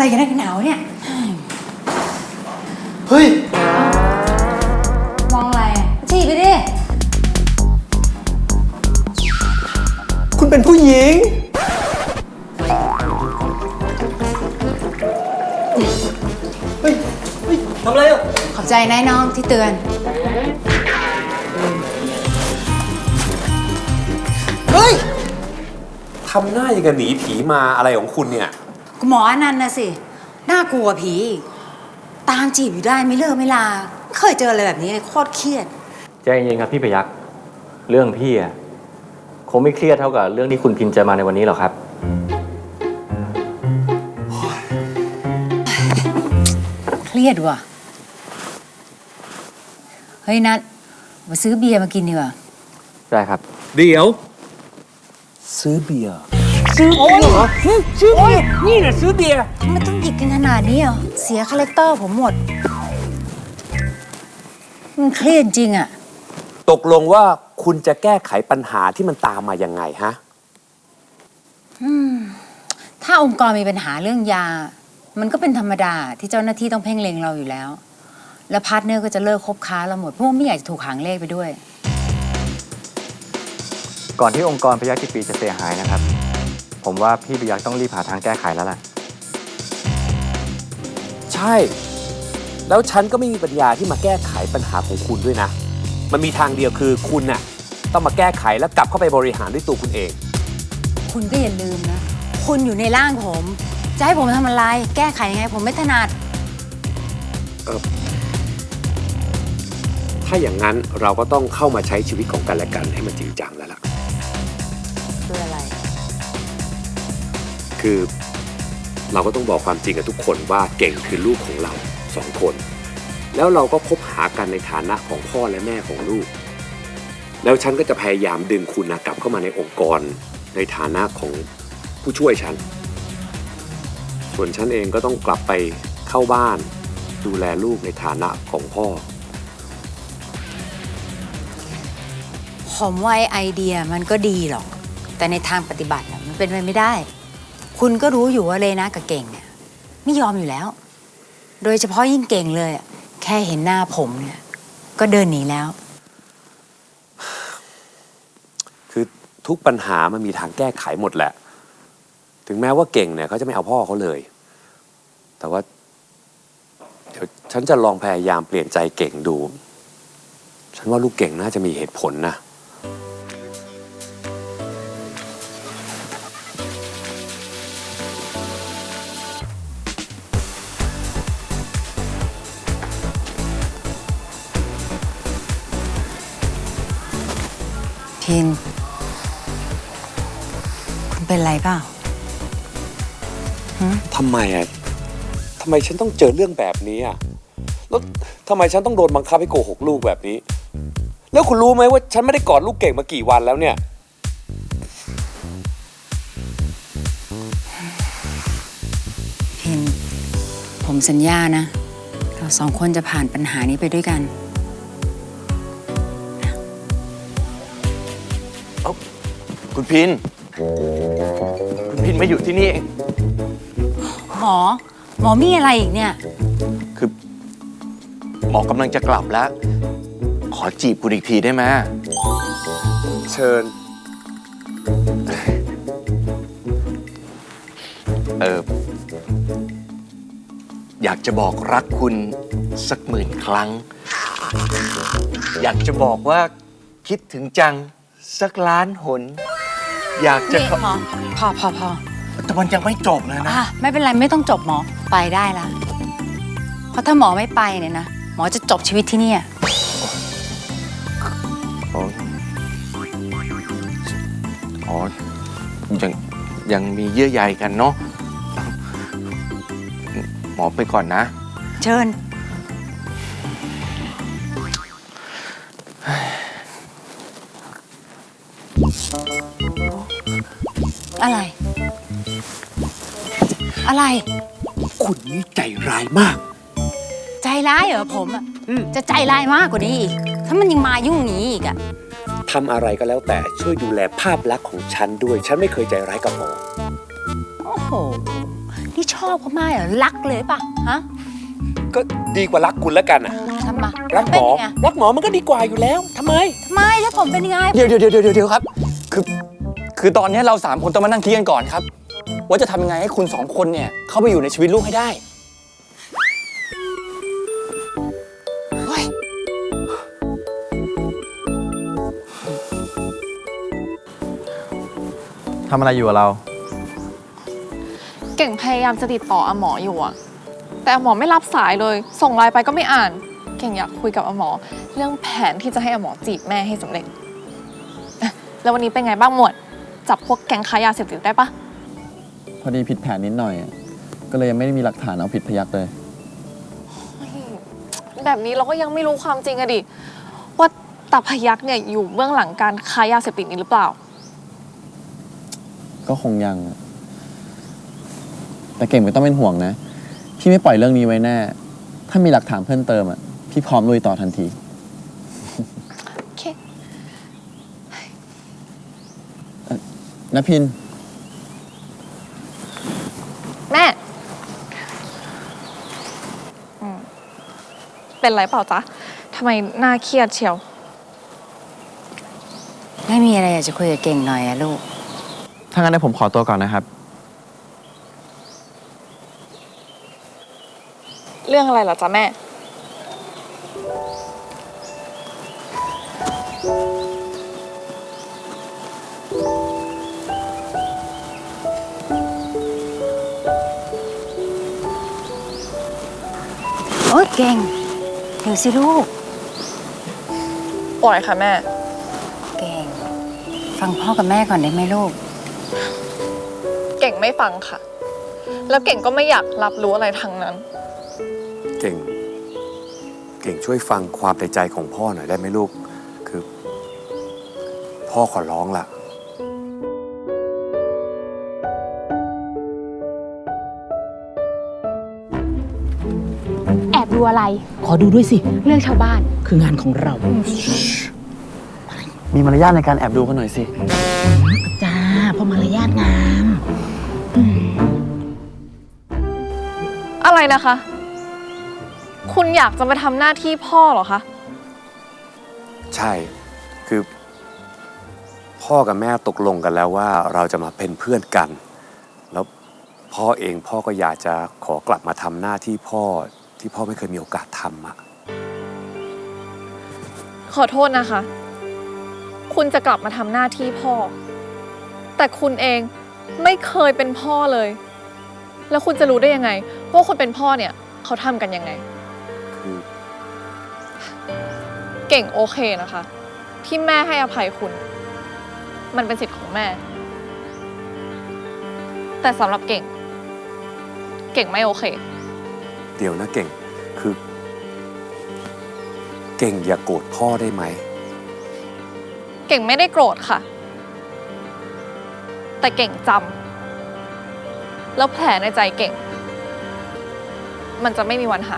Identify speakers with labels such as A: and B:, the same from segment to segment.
A: อะไรกันนักหนาวเนี่ย
B: เฮ้ย
A: มองอะไรจีบไปดิ
B: คุณเป็นผู้หญิงเฮ้ยทำอะไรอ่ะ
A: ขอบใจนายน้องที่เตือน
B: เฮ้ยทำหน้าอย่างกับหนีผีมาอะไรของคุณเนี่ย
A: หมออนันต์นะสิน่ากลัวผีตามจีบอยู่ได้ไม่เลิกไม่ลาไม่เคยเจออะไรแบบนี้เลยโคตรเครียด
C: ใจเย็นครับพี่ประยักษ์เรื่องพี่อะคงไม่เครียดเท่ากับเรื่องที่คุณพินจะมาในวันนี้หรอกครับ
A: เครียดว่ะเฮ้ยนัทมาซื้อเบียร์มากินดีกว่า
C: ได้ครับ
B: เดี๋ยวซื้อเบียร์ซื้อเบียร์เหรอซื้อเบียร์นี่แหละซื้อเบียร์
A: ไม่ต้องหยิบกันขนาดนี้เหรอเสียคาแรคเตอร์ผมหมดมันเครียดจริงอะ
B: ตกลงว่าคุณจะแก้ไขปัญหาที่มันตามมายังไงฮะ
A: ถ้าองค์กรมีปัญหาเรื่องยามันก็เป็นธรรมดาที่เจ้าหน้าที่ต้องเพ่งเล็งเราอยู่แล้วแล้วพาร์ทเนอร์ก็จะเลิกคบค้าเราหมดเพราะว่าไม่อยากจะถูกหางเลขไปด้วย
C: ก่อนที่องค์กรพยัคฆ์ปีจะเสียหายนะครับผมว่าพี่ประยักษ์ต้องรีบหาทางแก้ไขแล้วล่ะ
B: ใช่แล้วฉันก็ไม่มีปัญญาที่มาแก้ไขปัญหาของคุณด้วยนะมันมีทางเดียวคือคุณน่ะต้องมาแก้ไขแล้วกลับเข้าไปบริหารด้วยตัวคุณเอง
A: คุณก็อย่าลืมนะคุณอยู่ในร่างผมจะให้ผมทำอะไรแก้ไขยังไงผมไม่ถนัด
B: ถ้าอย่างนั้นเราก็ต้องเข้ามาใช้ชีวิตของกันและกันให้มันจริงจังแล้วล่ะ
A: คืออะไร
B: คือเราก็ต้องบอกความจริงกับทุกคนว่าเก่งคือลูกของเรา2 คนแล้วเราก็คบหากันในฐานะของพ่อและแม่ของลูกแล้วฉันก็จะพยายามดึงคุณกลับเข้ามาในองค์กรในฐานะของผู้ช่วยฉันส่วนฉันเองก็ต้องกลับไปเข้าบ้านดูแลลูกในฐานะของพ่อ
A: ผมว่าไอเดียมันก็ดีหรอกแต่ในทางปฏิบัติมันเป็นไปไม่ได้คุณก็รู้อยู่ว่าเลนะกับเก่งเนี่ยไม่ยอมอยู่แล้วโดยเฉพาะยิ่งเก่งเลยแค่เห็นหน้าผมเนี่ยก็เดินหนีแล้ว
B: คือทุกปัญหามันมีทางแก้ไขหมดแหละถึงแม้ว่าเก่งเนี่ยเขาจะไม่เอาพ่อเขาเลยแต่ว่าเดี๋ยวฉันจะลองพยายามเปลี่ยนใจเก่งดูฉันว่าลูกเก่งน่าจะมีเหตุผลนะ
A: พินคุณเป็นไรเปล่า
B: ทำไมฉันต้องเจอเรื่องแบบนี้แล้วทำไมฉันต้องโดนบังคับให้โกหกลูกแบบนี้แล้วคุณรู้ไหมว่าฉันไม่ได้กอดลูกเก่งมากี่วันแล้วเนี่ย
A: พินผมสัญญานะเรา2 คนจะผ่านปัญหานี้ไปด้วยกัน
D: คุณพินมาอยู่ที่นี่เอง
A: หมอมีอะไรอีกเนี่ย
D: คือหมอกำลังจะกลับแล้วขอจีบคุณอีกทีได้ไหม
B: เชิญ
D: อยากจะบอกรักคุณสัก10,000 ครั้งอยากจะบอกว่าคิดถึงจังสักล้านหนอยากจะ
A: พอ
D: แต่มันยังไม่จบเลยนะ
A: ไม่เป็นไรไม่ต้องจบหมอไปได้แล้วเพราะถ้าหมอไม่ไปเนี่ยนะหมอจะจบชีวิตที่นี่
D: ยังมีเยื่อใยกันเนาะหมอไปก่อนนะ
A: เชิญอะไร
B: คุณนี่ใจร้ายมาก
A: ใจร้ายเหรอผมจะใจร้ายมากกว่านี้อีกถ้ามันยังมายุ่งนี้อีก
B: ทำอะไรก็แล้วแต่ช่วยดูแลภาพลักษณ์ของฉันด้วยฉันไม่เคยใจร้ายกับหมอ
A: โอ้โหนี่ชอบเขามากเหรอรักเลยป่ะฮะ
B: ก็ดีกว่ารักคุณแล้วกันอะ
A: ทำไม
B: รักหม
A: เป็น
B: อ
A: ยังไง
B: รักหมอมันก็ดีกว่าอยู่แล้วทำไม
A: ทำไมถ้าผมเป็นยังไง
E: เดี๋ยวครับ คือตอนนี้เรา3 คนต้องมานั่งคิดกันก่อนครับ ว่าจะทำยังไงให้คุณ2 คนเนี่ยเข้าไปอยู่ในชีวิตลูกให้ได้
C: ทำอะไรอยู่กับเรา
F: เก่งพยายามจะติดต่ออาหมออยู่อะแต่อาหมอไม่รับสายเลย ส่งไลน์ไปก็ไม่อ่าน เก่งอยากคุยกับอาหมอ เรื่องแผนที่จะให้อาหมอจีบแม่ให้สำเร็จอะแล้ววันนี้เป็นไงบ้างหมวด จับพวกแก๊งค้ายาเสพติดได้ปะ
G: พอดีผิดแผนนิดหน่อย ก็เลยยังไม่ได้มีหลักฐานเอาผิดพยักเลย
F: แบบนี้เราก็ยังไม่รู้ความจริงอะดิว่าตาพยักเนี่ยอยู่เบื้องหลังการค้ายาเสพติดนี้หรือเปล่า
G: ก็คงยังอะแต่เก่งไม่ต้องเป็นห่วงนะ พี่ไม่ปล่อยเรื่องนี้ไว้แน่ ถ้ามีหลักฐานเพิ่มเติมอ่ะ พี่พร้อมลุยต่อทันที
F: โอเค
G: นพิน
F: แม่เป็นไรเปล่าจ๊ะทำไมหน้าเครียดเชียว
A: ไม่มีอะไรอยากจะคุยกับเก่งหน่อยอะลูก
G: ถ้างั้นเดี๋ยวผมขอตัวก่อนนะครับ
F: เรื่องอะไรเหรอจ๊ะแม่
A: โอ๊ยเก่งเดี๋ยวสิลูก
F: ปล่อยค่ะแม่
A: เก่ง ฟังพ่อกับแม่ก่อนได้ไหมลูก
F: เก่งไม่ฟังค่ะ แล้วเก่งก็ไม่อยากรับรู้อะไรทั้งนั้น
B: เก่ง เก่งช่วยฟังความในใจของพ่อหน่อยได้ไหมลูก คือ พ่อขอร้องล่ะ
H: แอบดูอะไร
I: ขอดูด้วยสิ
H: เรื่องชาวบ้าน
I: คืองานของเรา
G: มีมารยาทในการแอบดูกันหน่อยสิ
I: จ้าเพราะมารยาทงาม
F: อะไรนะคะ คุณอยากจะมาทำหน้าที่พ่อเหรอคะ
B: ใช่ คือ พ่อกับแม่ตกลงกันแล้วว่าเราจะมาเป็นเพื่อนกัน แล้วพ่อเองพ่อก็อยากจะขอกลับมาทำหน้าที่พ่อที่พ่อไม่เคยมีโอกาสทำอะ
F: ขอโทษนะคะ คุณจะกลับมาทำหน้าที่พ่อ แต่คุณเองไม่เคยเป็นพ่อเลย แล้วคุณจะรู้ได้ยังไงว่าคนเป็นพ่อเนี่ยเขาทำกันยังไง
B: คือ
F: เก่งโอเคนะคะ ที่แม่ให้อภัยคุณ มันเป็นสิทธิ์ของแม่ แต่สำหรับเก่ง เก่งไม่โอเค
B: เดี๋ยวนะเก่ง คือ เก่งอย่าโกรธพ่อได้ไหม
F: เก่งไม่ได้โกรธค่ะ แต่เก่งจำแล้วแผลในใจเก่ง มันจะไม่มีวันหาย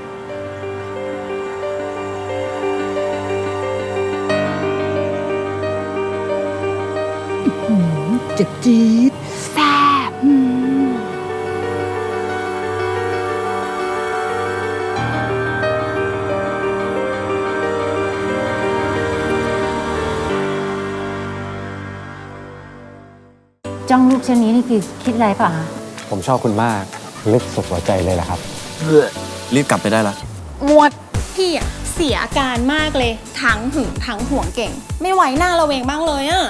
I: เจ็บจี๊ดแซ่บ
A: จ้องลูกเช่นนี้นี่คือคิดอะไรเปล่ะคะ
C: ผมชอบคุณมาก ลึกสุดหัวใจเลยแหละครับ
G: รีบกลับไปได้ละ
F: มวด
J: พี่อะเสียอาการมากเลย ทั้งหึงทั้งห่วงเก่ง ไม่ไหวหน้าเราเองบ้างเลยอะ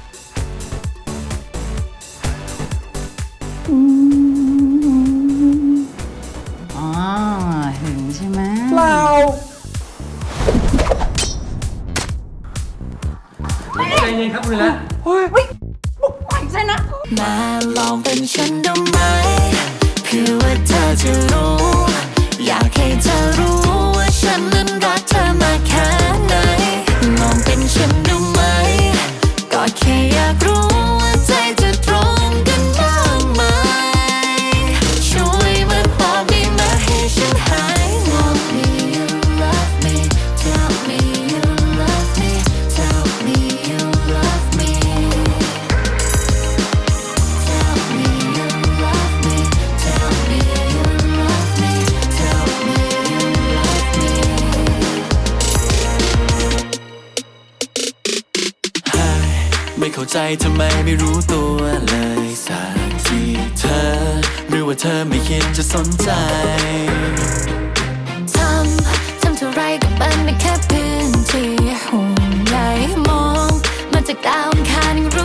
A: อ๋อหึงใช่ไหม
C: ใจเย็นครับคุณละ
K: มาลองเป็นฉันดูไหมเพื่อว่าเธอจะรู้ อยากให้เธอรู้ว่าฉันนั้นรักเธอมากแค่ไหนลองเป็นฉันดูไหมก็แค่อยากรู้ว่าใจจะตรงกันบ้างไหมช่วยมาบอกได้ไหมให้ฉันหายงง Me you love me Tell me you love me Tell me you love me Tell me you love me. Tell เข้าใจทำไมไม่รู้ตัวเลยสักทีเธอหรือว่าเธอไม่คิดจะสนใจทำเท่าไรก็เป็นได้แค่พื้นที่ห่วงใยมองมาจากดาวอังคารยัง